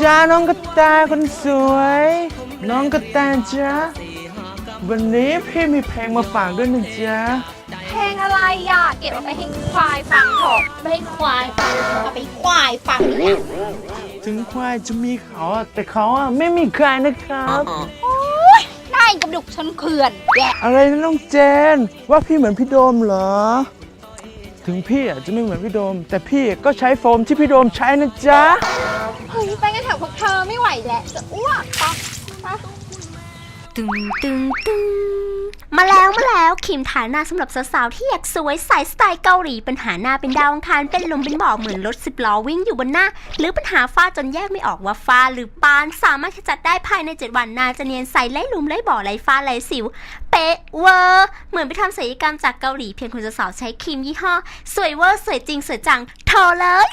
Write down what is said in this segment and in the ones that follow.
จ้าน้องกระแตคนสวยน้องกระแตจ้าวันนี้พี่มีเพลงมาฝากด้วยนะจ๊ะเพลงอะไรอ่ะเก็บเอาไปให้ควายฟังเถอะไม่ให้ควายฟังเอาไปควายฟังเนี่ยถึงควายจะมีเขาแต่เขาไม่มีใครนะครับโอ๊ยได้กระดูกชนเขื่อนแกอะไรนะน้องเจนว่าพี่เหมือนพี่โดมเหรอถึงพี่จะไม่เหมือนพี่โดมแต่พี่ก็ใช้โฟมที่พี่โดมใช้นะจ๊ะเฮ้ยไปกันแถวพวกเธอไม่ไหวแล้วจะอ้วกปะตึงตึงตึงมาแล้วครีมทาหน้าสำหรับสาวๆที่อยากสวยใสสไตล์เกาหลีปัญหาหน้าเป็นดาวอังคารเป็นลมเป็นบ่อเหมือนรถ10 ล้อวิ่งอยู่บนหน้าหรือปัญหาฝ้าจนแยกไม่ออกว่าฝ้าหรือปานสามารถขจัดได้ภายใน7 วันหน้าจะเนียนใสไร้หลุมไร้บ่อไร้ฝ้าไร้สิวเป๊ะเวอร์เหมือนไปทำศัลยกรรมจากเกาหลีเพียงคุณสาวๆใช้ครีมยี่ห้อสวยเวอร์สวยจริงสวยจังโทรเลย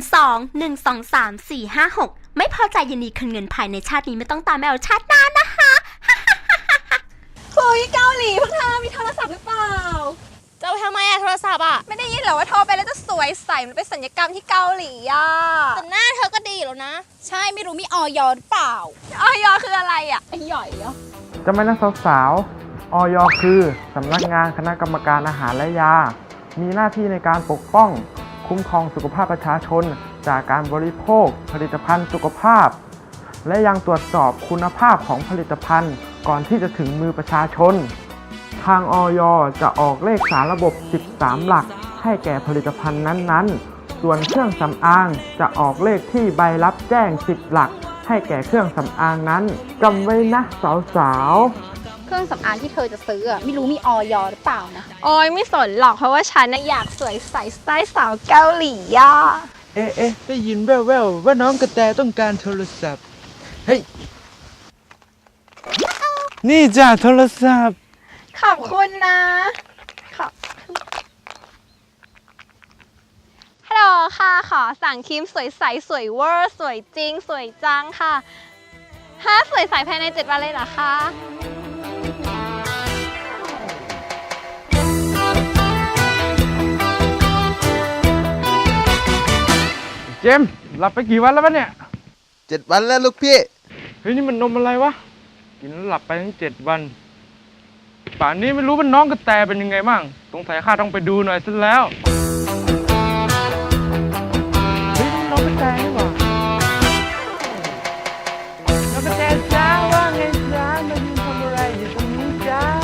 02-123-456ไม่พอใจยินดีคืนเงินภายในชาตินี้ไม่ต้องตามแมวชาติหน้านะคะเฮ้ยเกาหลีพวกเธอมีโทรศัพท์หรือเปล่าจะไปทำไมโทรศัพท์ไม่ได้ยินเหรอว่าโทรไปแล้วจะสวยใสมันเป็นสัญญกรรมที่เกาหลีแต่หน้าเธอก็ดีแล้วนะใช่ไม่รู้มีออยหรือเปล่าออยคืออะไรไอ้หย่อยเหรอจะไม่นะสาวๆ อย.คือสำนักงานคณะกรรมการอาหารและยามีหน้าที่ในการปกป้องคุ้มครองสุขภาพประชาชนจากการบริโภคผลิตภัณฑ์สุขภาพและยังตรวจสอบคุณภาพของผลิตภัณฑ์ก่อนที่จะถึงมือประชาชนทางอย.จะออกเลขสารระบบ13หลักให้แก่ผลิตภัณฑ์นั้นๆส่วนเครื่องสำอางจะออกเลขที่ใบรับแจ้ง10หลักให้แก่เครื่องสำอางนั้นจำไว้นะสาวๆเครื่องสำอางที่เธอจะซื้อไม่รู้มีออยหรือเปล่านะออยไม่สนหรอกเพราะว่าฉันอยากสวยใสสไตล์สาวเกาหลีเอ๊ะได้ยินแว่วๆว่าน้องกระแตต้องการโทรศัพท์เฮ้ยนี่จ้ะโทรศัพท์ขอบคุณนะฮัลโหลค่ะขอสั่งครีมสวยใสสวยเวอร์สวยจริงสวยจังค่ะสวยใสภายใน7 วันเลยเหรอคะเจมส์หลับไปกี่วันแล้ววะเนี่ย 7 วันแล้วลูกพี่เฮ้ยนี่มันนมอะไรวะกินแล้วหลับไปทั้ง7 วันป่านนี้ไม่รู้ว่าน้องกระแตเป็นยังไงบ้างสงสัยข้าต้องไปดูหน่อยซะแล้วเฮ้ยน้องกระแตนี่หว่าน้องกระแตจ้าว่าไงจ้ามายืนทำอะไรอยู่ตรงนี้จ้า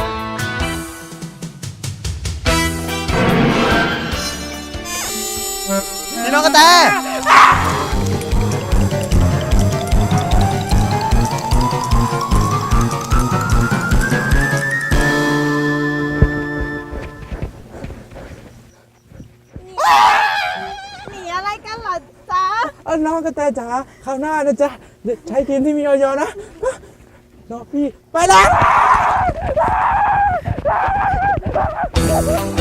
นี่น้องกระแตน้องกระแตจ๋าคราวหน้านะจ๊ะใช้ครีมที่มีออยนะน้องพี่ไปแล้ว